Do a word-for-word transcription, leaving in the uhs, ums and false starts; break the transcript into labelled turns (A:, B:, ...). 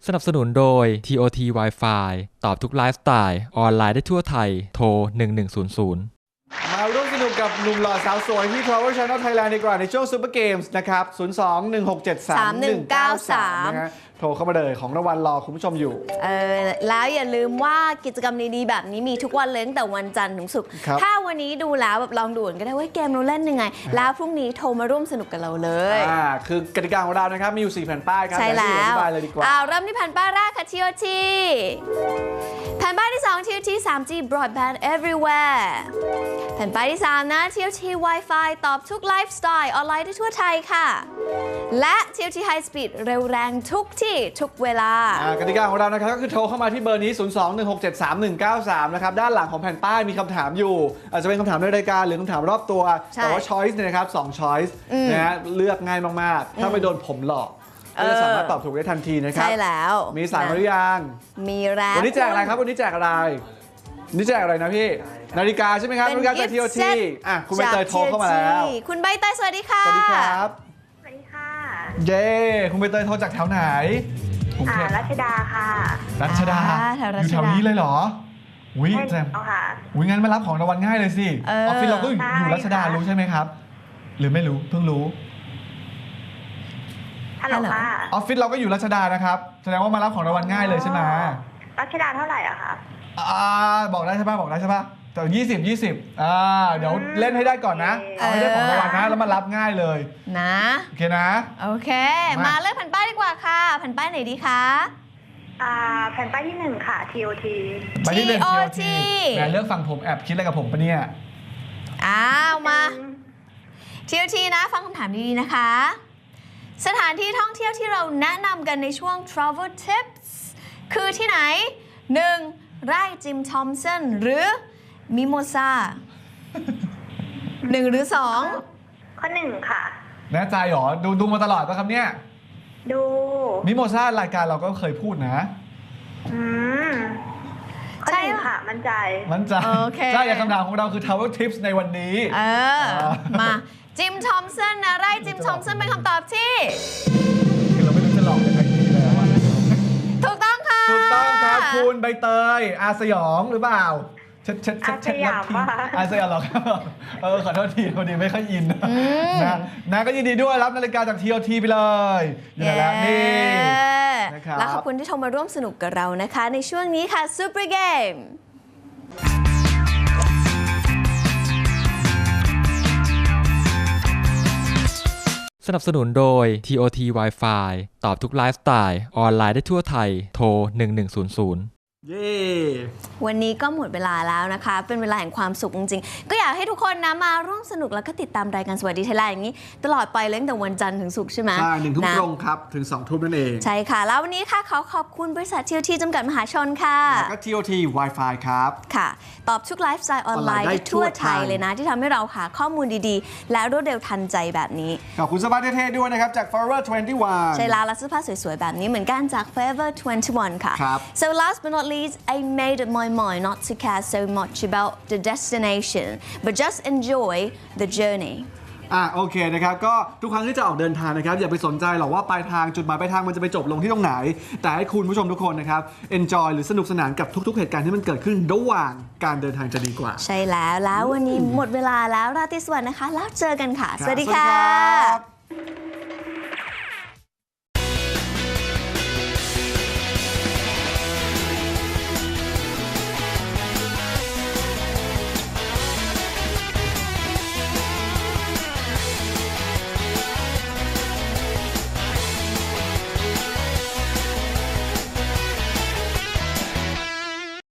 A: สนับสนุนโดย ที โอ ที Wi-Fi ตอบทุกไลฟ์สไตล์ออนไลน์ได้ทั่วไทยโทรหนึ่งหนึ่งศูนย์ศูนย์
B: มาร่วมสนุกกับหนุ่มหล่อสาวสวยที่ Travel Channel Thailand ดีกว่าในช่วง Super Games นะครับ ศูนย์ สอง หนึ่ง หก เจ็ด สาม หนึ่ง เก้า สาม นะฮะโทรเข้ามาเลยของรางวัลรอคุณผู้ชมอยู่
C: เออแล้วอย่าลืมว่ากิจกรรมดีๆแบบนี้มีทุกวันเลยตั้งแต่วันจันทร์ถึงศุกร์ถ้าวันนี้ดูแล้วแบบลองดูก็ได้ว่าเกมเราเล่นยังไงแล้วพรุ่งนี้โทรมาร่วมสนุกกับเราเลย
B: อ่าคือกติกาของเรานะครับมีอยู่สี่แผ่นป้ายครับ
C: ใช่แล้ว
B: เลยดีกว่า
C: อ่าเริ่มที่แผ่นป้ายแรกค่ะ ที โอ ที แผ่นป้ายที่สอง ที โอ ที ทรีจี Broadband Everywhere แผ่นป้ายที่สามนะ ที โอ ที Wi-Fi ตอบทุกไลฟ์สไตล์ออนไลน์ได้ทั่วไทยค่ะและ ที โอ ที High Speed เร็วแรงทุกที่ทุกเวลาก
B: ติกาของเรานะครับก็คือโทรเข้ามาที่เบอร์นี้ ศูนย์ สอง หนึ่ง หก เจ็ด สาม หนึ่ง เก้า สาม นะครับด้านหลังของแผ่นป้ายมีคำถามอยู่อาจจะเป็นคำถามในรายการหรือคำถามรอบตัวแต่ว่า choice เนี่ยนะครับสอง choice นะฮะเลือกง่ายมากๆถ้าไม่โดนผมหลอกก็จะสามารถตอบถูกได้ทันทีนะครับ
C: ใช่แล้ว
B: มีสายมาหรือยัง
C: มีแล้ว
B: วันนี้แจกอะไรครับวันนี้แจกอะไรนี่แจกอะไรนะพี่นาฬิกาใช่ไหมครับนาฬิกาจาก ที โอ ที อ่ะคุณใบเตยโทรเข้ามาแล้ว
C: คุณใบเตยสวัสดีค่ะ
B: สวัสดีครับ
D: สวัสดีค่ะ
B: เย้คุณใบเตยโทรจากแถวไหน
D: อ่ารัชดาค่ะ
B: รัชดาอยู่แถวนี้เลยเหรอวิแจมวิงั้นมารับของรางวัลง่ายเลยสิออฟฟิศเราก็อยู่รัชดารู้ใช่ไหมครับหรือไม่รู้เพิ่งรู้
D: ฮัลโหลค่ะ
B: ออฟฟิศเราก็อยู่รัชดานะครับแสดงว่ามารับของรางวัลง่ายเลยใช่ไหม
D: รัชดาเท่าไหร่อะคะ
B: อ่าบอกได้ใช่ป่ะบอกได้ใช่ป่ะแต่ยี่สิบยี่สิบอ่าเดี๋ยวเล่นให้ได้ก่อนนะเอาให้ได้ของรางวัลนะแล้วมารับง่ายเลย
C: นะ
B: โอเคนะ
C: โอเคมาเลือกแผ่นป้ายดีกว่าค่ะแผ่นป้ายไหนดีคะ
D: อ่าแผ่นป้ายที่หนึ่งค่ะ ที โอ ที
B: ไปที่หนึ่ง ที โอ ที แหมเลือกฟังผมแอบคิดอะไรกับผมปะเนี่ย
C: อ้าวมา ที โอ ที นะฟังคำถามดีๆนะคะสถานที่ท่องเที่ยวที่เราแนะนำกันในช่วง Travel Tips คือที่ไหน หนึ่ง ไร่จิมทอมสันหรือมิโมซาหนึ่งหรือสอง
D: ข้อหนึ่งค่ะ
B: แน่ใจหรอดูดูมาตลอดป่ะครับเนี่ย
D: ดู
B: มิโมซารายการเราก็เคยพูดนะ
D: อืมข้อหนึ่งค่ะมั่นใจ
B: มั่นใจใช่คำถามของเราคือ Travel Tips ในวันนี้
C: เออมาจิมทอมสันนะไร่จิมทอมสันเป็นคำตอบที่
B: คือเราไม่รู้จะหลอกยังไงดีแล้ว
C: ถูกต้องค่ะ
B: ถูกต้องครับคุณใบเตยอาสยองหรือเปล่าเช็ดเช็ด
D: เช็ดอาสยาม
B: อาสยามหรอครับเออขอโทษทีพอดีไม่ค่อยอินนะนะก็ยินดีด้วยรับนาฬิกาจาก ที โอ ที ไปเลยอยู่แล้วนี่
C: นะครับแล้วขอบคุณที่โทรมาร่วมสนุกกับเรานะคะในช่วงนี้ค่ะ Super Game
A: สนับสนุนโดย ที โอ ที Wi-Fi ตอบทุกไลฟ์สไตล์ออนไลน์ได้ทั่วไทยโทรหนึ่งหนึ่งศูนย์ศูนย์
B: เย้
C: วันนี้ก็หมดเวลาแล้วนะคะเป็นเวลาแห่งความสุขจริงๆก็อยากให้ทุกคนนะมาร่วมสนุกแล้วก็ติดตามรายการสวัสดีไทยแลนด์อย่างนี้ตลอดไปเลยตั้งแต่วันจันทร์ถึงศุกร์ใช่ไหม
B: ใช่หนึ่งทุ่มตรงครับถึงสองทุ่มนั่นเอง
C: ใช่ค่ะแล้ววันนี้ค่ะขอขอบคุณบริษัท ที โอ ที จำกัดมหาชนค่ะ
B: แล้วก็ ที โอ ที Wi-Fi ครับ
C: ค่ะตอบทุกไลฟ์สไตล์ออนไลน์ได้ทั่วไทยเลยนะที่ทำให้เราหาข้อมูลดีๆและรวดเร็วทันใจแบบนี้
B: ขอบคุณเสื้อผ้าเท่ๆด้วยนะครับจาก Forever ทเวนตี้วัน
C: ใช่แล้วและเสื้อผ้าสวยๆแบบนี้เหมือนกันจาก Forever ทเวนตี้วันค่ะ so last but not least I made up my mind not to care so much about the destination but just enjoy the journey
B: อ่ะโอเคนะครับก็ทุกครั้งที่จะออกเดินทางนะครับอย่าไปสนใจหรอกว่าปลายทางจุดหมายปลายทางมันจะไปจบลงที่ตรงไหนแต่ให้คุณผู้ชมทุกคนนะครับ enjoy หรือสนุกสนานกับทุกๆเหตุการณ์ที่มันเกิดขึ้นระหว่างการเดินทางจะดีกว่า
C: ใช่แล้วแล้ววันนี้หมดเวลาแล้วราตรีสวัสดิ์นะคะแล้วเจอกันค่ะสวัสดีค่ะ